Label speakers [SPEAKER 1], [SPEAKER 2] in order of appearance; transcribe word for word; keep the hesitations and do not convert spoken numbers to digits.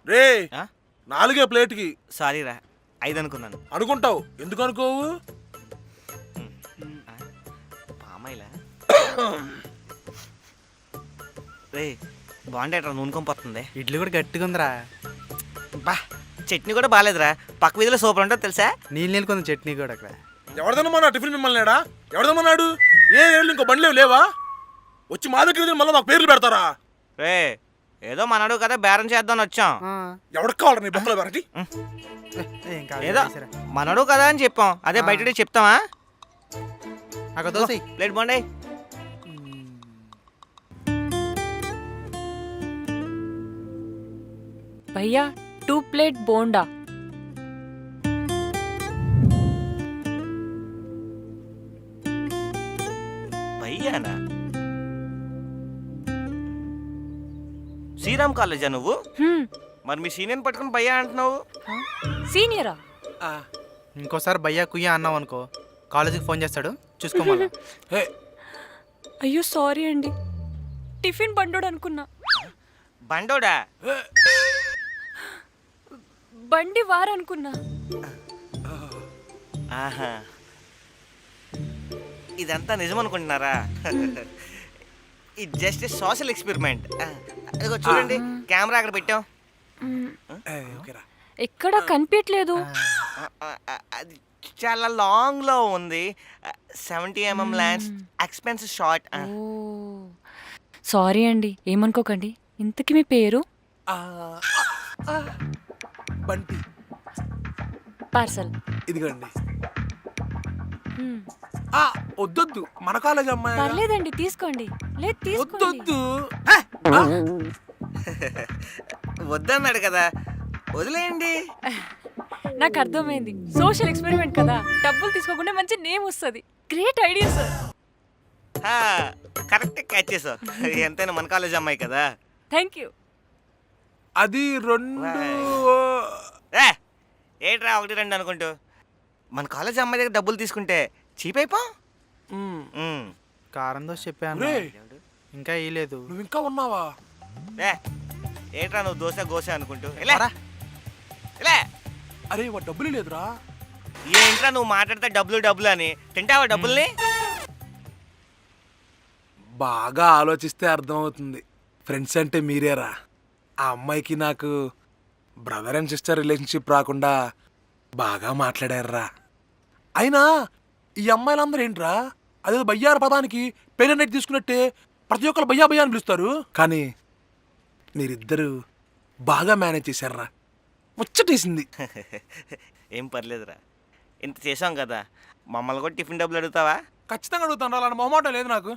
[SPEAKER 1] రే నాలుగే ప్లేట్కి.
[SPEAKER 2] సారీ రా, ఐదు అనుకున్నాను.
[SPEAKER 1] అనుకుంటావు, ఎందుకు అనుకోవు?
[SPEAKER 2] పామాయిలా రే బాగుండేట్రా, నూనెకొంపోతుంది.
[SPEAKER 3] ఇడ్లీ కూడా గట్టిగా ఉందిరా.
[SPEAKER 2] బా చట్నీ కూడా బాగాలేదురా, పక్క వీధిలో సూపర్ ఉంటుంది తెలుసా.
[SPEAKER 3] నీళ్ళు నీళ్ళు కొంచెం చట్నీ కూడా అక్కడ.
[SPEAKER 1] ఎవరిదమ్మా టిఫిన్ మిమ్మల్ని ఏడా? ఎవరిదమ్మన్నాడు? ఏ ఏళ్ళు ఇంకో బండ్లేవు లేవా? వచ్చి మా దగ్గర మళ్ళీ మాకు పేర్లు పెడతారా?
[SPEAKER 2] రే ఏదో మనడు కదా బేరం చేద్దామని వచ్చాం.
[SPEAKER 1] ఎవరికి కావాలి నీ బొక్కల వెరైటీ?
[SPEAKER 2] ఏదో మనడు కదా అని చెప్పాం, అదే బయట చెప్తామా?
[SPEAKER 3] అక్కడ దోశ
[SPEAKER 2] ప్లేట్ బాగుండే.
[SPEAKER 4] భయ్యా టూ ప్లేట్ బోండా.
[SPEAKER 2] భయ్యానా? శ్రీరామ్ కాలేజా నువ్వు?
[SPEAKER 4] హ్మ్.
[SPEAKER 2] మరి మీ సీనియర్ పట్టుకుని భయ్యా అంటున్నావు.
[SPEAKER 4] సీనియరా?
[SPEAKER 3] ఇంకోసారి భయ్యా కుయ్యా అన్నావు అనుకో, కాలేజీకి ఫోన్ చేస్తాడు, చూసుకోమన్నా.
[SPEAKER 4] అయ్యో సారీ అండి, టిఫిన్ బండోడు అనుకున్నా.
[SPEAKER 2] బండోడా?
[SPEAKER 4] బండి వారనుకున్నా.
[SPEAKER 2] ఆహా, ఇదంతా నిజం అనుకుంటున్నారా? ఇది జస్ట్ సోషల్ ఎక్స్పెరిమెంట్. అదిగో చూడండి, కెమెరా అక్కడ పెట్టాం.
[SPEAKER 4] ఎక్కడ కనిపించట్లేదు.
[SPEAKER 2] అది చాలా లాంగ్ లో ఉంది. Seventy mm lens, expensive shot.
[SPEAKER 4] Sorry అండి, ఏమనుకోకండి. ఇంతకీ మీ పేరు?
[SPEAKER 1] బంటి.
[SPEAKER 4] పార్సల్
[SPEAKER 1] ఇదిగోండి. వద్దొద్దు, మన కాలేజ్ అమ్మాయి.
[SPEAKER 4] పర్లేదండి, తీసుకోండి. లేదు తీసుకోండి.
[SPEAKER 1] వద్దొద్దు.
[SPEAKER 2] వద్దన్నాడు కదా, వదిలేయండి.
[SPEAKER 4] నాకు అర్థమైంది, సోషల్ ఎక్స్పెరిమెంట్ కదా, డబ్బులు తీసుకోకుండా మంచి నేమ్ వస్తుంది. Great idea sir.
[SPEAKER 2] Correct catch చేసావు. ఎంతైనా మన కాలేజ్ అమ్మాయి కదా.
[SPEAKER 4] Thank you.
[SPEAKER 1] అది రెండు.
[SPEAKER 2] ఏ ఏంట్రా ఒకటి రెండు అనుకుంటూ, మన కాలేజ్ అమ్మాయి దగ్గర డబ్బులు తీసుకుంటే చీప్ అయిపో.
[SPEAKER 3] కారం దోశ చెప్పాను, ఇంకా ఇలేదు.
[SPEAKER 1] నువ్వు ఇంకా ఉన్నావా?
[SPEAKER 2] ఏ ఏంట్రా నువ్వు దోశ గోశ అనుకుంటూ ఇలా ఇలా.
[SPEAKER 1] అరే వా డబ్బులు లేదురా.
[SPEAKER 2] ఏంట్రా నువ్వు మాట్లాడితే డబ్బులు డబ్బులు అని, తింటావా డబ్బుల్ని?
[SPEAKER 1] బాగా ఆలోచిస్తే అర్థమవుతుంది, ఫ్రెండ్స్ అంటే మీరేరా. ఆ అమ్మాయికి నాకు బ్రదర్ అండ్ సిస్టర్ రిలేషన్షిప్ రాకుండా బాగా మాట్లాడారా. అయినా ఈ అమ్మాయిలందరూ ఏంట్రా, అదే బయ్యార పదానికి పేరెంట్ తీసుకున్నట్టే ప్రతి ఒక్కరు బయ్యా బయ్యా అని పిలుస్తారు. కానీ మీరిద్దరు బాగా మేనేజ్ చేశారా, ముచ్చటేసింది.
[SPEAKER 2] ఏం పర్లేదురా, ఇంత చేసాం కదా, మమ్మల్ని కూడా టిఫిన్ డబ్బులు అడుగుతావా?
[SPEAKER 1] ఖచ్చితంగా అడుగుతాను, అలాంటి మొహమాటం లేదు నాకు.